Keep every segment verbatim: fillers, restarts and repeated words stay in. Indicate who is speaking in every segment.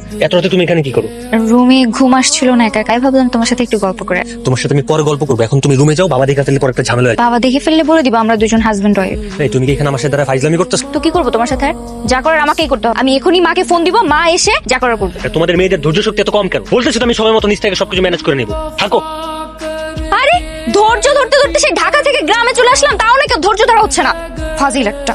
Speaker 1: এত রাতে তুমি এখানে কি করো?
Speaker 2: রুমে ঘুম আসছিল না, একা একাই ভাবলাম তোমার সাথে একটু গল্প করে।
Speaker 1: তোমার সাথে আমি পরে গল্প করবো, এখন তুমি রুমে যাও, বাবা দেখা ফেললে পরে একটা ঝামেলা হয়।
Speaker 2: বাবা দেখে ফেললে বলে দিবা আমরা দুজন হাজবেন্ড ওয়াইফ।
Speaker 1: এই তুমি কি এখানে আমার সাথে দ্বারা ফাইজলামি করতেছো?
Speaker 2: তো কি করবো তোমার সাথে? আর যা করার আমাকেই করতে হবে। আমি এখনই মাকে ফোন দিব, মা এসে যা করার করবে।
Speaker 1: তোমাদের মেয়েদের ধৈর্য শক্তি এত কম কেন? বলতেছো তো আমি সময় মতো নিজ থেকে সবকিছু ম্যানেজ করে নেবো, থাকো।
Speaker 2: আরে ধৈর্য ধরতে ধরতে সেই ঢাকা থেকে গ্রামে চলে আসলাম, তাও নাকি ধৈর্য ধরা হচ্ছে না। ফাজিল একটা।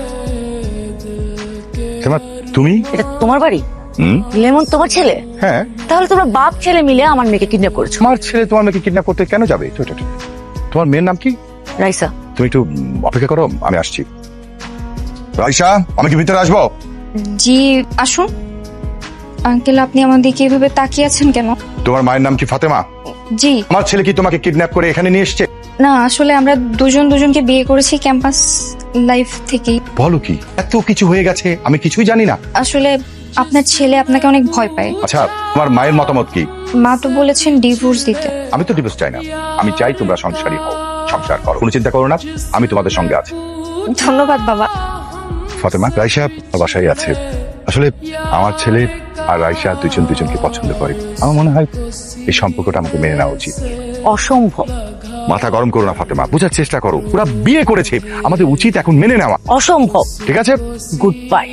Speaker 3: তুমি
Speaker 4: এটা তোমার বাড়ি? লেমন তোমার ছেলে?
Speaker 3: হ্যাঁ।
Speaker 4: তাহলে তোমরা বাপ ছেলে মিলে আমার মেয়েকে কিডন্যাপ করেছো।
Speaker 3: আমার ছেলে তোমার মেয়েকে কিডন্যাপ করতে কেন যাবে? তো এটা ঠিক। তোমার মেয়ের নাম কি?
Speaker 4: রাইসা।
Speaker 3: তুমি একটু উম, অপেক্ষা করো, আমি আসছি। রাইসা, আমি কি ভিতরে আসবো?
Speaker 2: জি আসুন। আঙ্কেল আপনি আমার দিকে এভাবে তাকিয়ে আছেন কেন?
Speaker 3: তোমার মায়ের নাম কি ফাতেমা?
Speaker 2: জি
Speaker 3: আমার ছেলে কি তোমাকে কিডন্যাপ করে এখানে নিয়ে এসেছে?
Speaker 2: না, আসলে আমরা দুজন দুজনকে বিয়ে করেছি ক্যাম্পাস লাইফ থেকেই।
Speaker 3: বলো কি, এত কিছু হয়ে গেছে আমি কিছুই জানি না।
Speaker 2: আসলে আপনার ছেলে আপনাকে অনেক ভয় পায়।
Speaker 3: আচ্ছা, তোমার মায়ের মতামত কি?
Speaker 2: মা তো বলেছেন ডিভোর্স দিতে।
Speaker 3: আমি তো ডিভোর্স চাই না, আমি চাই তোমরা সংসারী হও, সংসার করো, কোনো চিন্তা করো না, আমি তোমাদের সঙ্গে আছি।
Speaker 2: ধন্যবাদ বাবা।
Speaker 3: ফাতেমা, রাইসা বাসায় আছে। আসলে আমার ছেলে আর রাইসা দুজন দুজনকে পছন্দ করে। আমার মনে হয় এই সম্পর্কটা আমাকে মেনে নেওয়া উচিত।
Speaker 4: অসম্ভব।
Speaker 3: মাথা গরম করো না ফাতেমা, বোঝার চেষ্টা করো। ওরা বিয়ে করেছে, আমাদের উচিত এখন মেনে নেওয়া।
Speaker 4: অসম্ভব।
Speaker 3: ঠিক আছে,
Speaker 4: গুড বাই।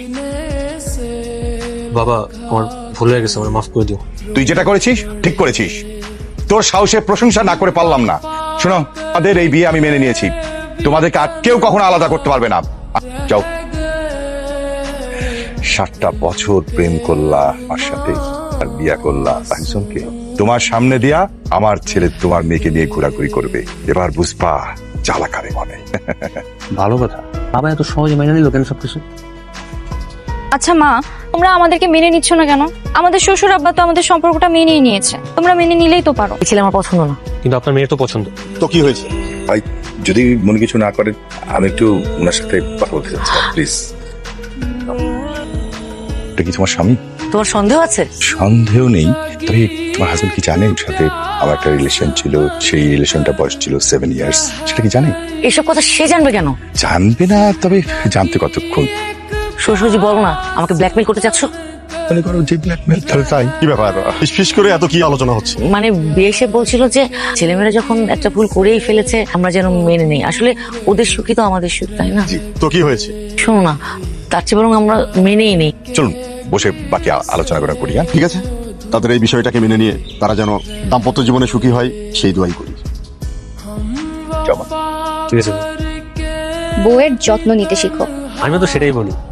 Speaker 1: বাবা আমার ভুল হয়ে গেছে, আমার মাফ করে দিও।
Speaker 3: তুই যেটা করেছিস ঠিক করেছিস। তোর সাহসে প্রশংসা না করে পারলাম না। শোনো, আমাদের এই বিয়ে আমি মেনে নিয়েছি, তোমাদেরকে আর কেউ কখনো আলাদা করতে পারবে না। যাও। সাতটা বছর প্রেম করলা আমার সাথে, আর বিয়া করলা একজনকে। তোমার সামনে দিয়া আমার ছেলে তোমার মেয়েকে নিয়ে ঘোরাঘুরি করবে, এবার বুঝবা জ্বালা কারে মনে।
Speaker 1: ভালো কথা, বাবা এত সহজে মেনে নিল কেন সবকিছু?
Speaker 2: আচ্ছা মা, তোমরা আমাদেরকে মেনে নিচ্ছ না কেন? আমাদের শ্বশুর আব্বা তো আমাদের সম্পর্কটা মেনেই নিয়েছে, তোমরা মেনে নিলেই তো পারো।
Speaker 4: এই ছেলে আমার পছন্দ না।
Speaker 1: কিন্তু আপনার মেয়ের তো পছন্দ।
Speaker 5: তো কি হয়েছে?
Speaker 6: ভাই যদি মনে কিছু না করেন, আমি একটু ওনার সাথে কথা বলতে চাচ্ছি, প্লিজ।
Speaker 3: এটা কি তোমার স্বামী?
Speaker 4: তোমার সন্দেহ আছে?
Speaker 6: সন্দেহ নেই, তবে তোমার হাজবেন্ড কি জানে ওর সাথে আমার একটা রিলেশন ছিল? সেই রিলেশনটা বয়স ছিল সেভেন ইয়ার্স। সেটা কি জানে?
Speaker 4: এসব কথা সে জানবে কেন?
Speaker 6: জানবে না, তবে জানতে কতক্ষণ?
Speaker 4: শ্বশুরজি বলো না, আমাকে ব্ল্যাকমেল করতে চাচ্ছ?
Speaker 6: মনে করো যে ব্ল্যাকমেল, তাহলে তাই।
Speaker 5: কি ব্যাপার, ফিস করে এত কি আলোচনা হচ্ছে?
Speaker 4: মানে বিয়ে এসে বলছিল যে ছেলেমেয়েরা যখন একটা ভুল করেই ফেলেছে আমরা যেন মেনে নেই। আসলে ওদের সুখী তো আমাদের সুখ, তাই না?
Speaker 5: তো কি হয়েছে?
Speaker 4: শোনো না, তার চেয়ে বরং আমরা মেনেই নেই।
Speaker 3: চলুন বসে বাকি আ- আলোচনা করা করি। হ্যাঁ,
Speaker 5: ঠিক আছে, তাদের এই বিষয়টাকে মেনে নিয়ে তারা যেন দাম্পত্য জীবনে সুখী হয় সেই দোয়াই করি।
Speaker 3: চলো।
Speaker 1: ঠিক আছে,
Speaker 2: বউয়ের যত্ন নিতে শিখো।
Speaker 1: আমিও তো সেটাই বলি।